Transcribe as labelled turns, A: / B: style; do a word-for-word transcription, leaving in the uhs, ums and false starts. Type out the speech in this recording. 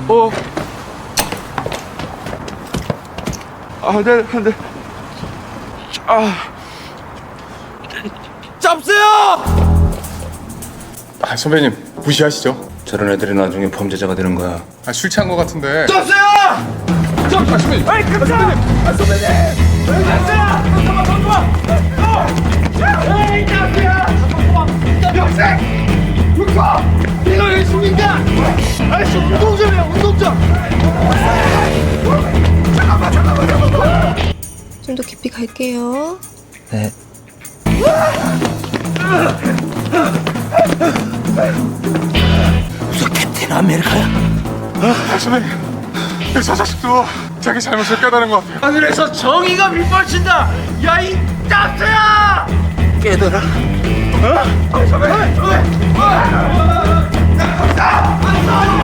A: 어. 아, 네, 안 돼. 아. 잡으세요!
B: 아, 선배님 무시하시죠?
C: 저런 애들이 나중에 범죄자가 되는 거야.
B: 아, 술 취한 거 같은데.
A: 잡으세요! 잡, 아, 선배님. 아이, 선배님. 아, 선배님. 잡으세요! 잠깐만, 잠깐만. 에이, 잡으세요! 여생! 육파! 이거 왜 숨긴다! 아이씨, 운동점이야, 운동점! 잠깐만, 잠깐만, 잠깐만!
D: 좀 더 깊이 갈게요.
C: 네. 무슨 캡틴 아메리카야?
B: 아, 선배님. 저 자식도 자기 잘못을 깨달은 것 같아요.
A: 하늘에서 정의가 밑발친다! 야, 이 짭새야!
C: 깨달아.
A: 어? 선배! 선배!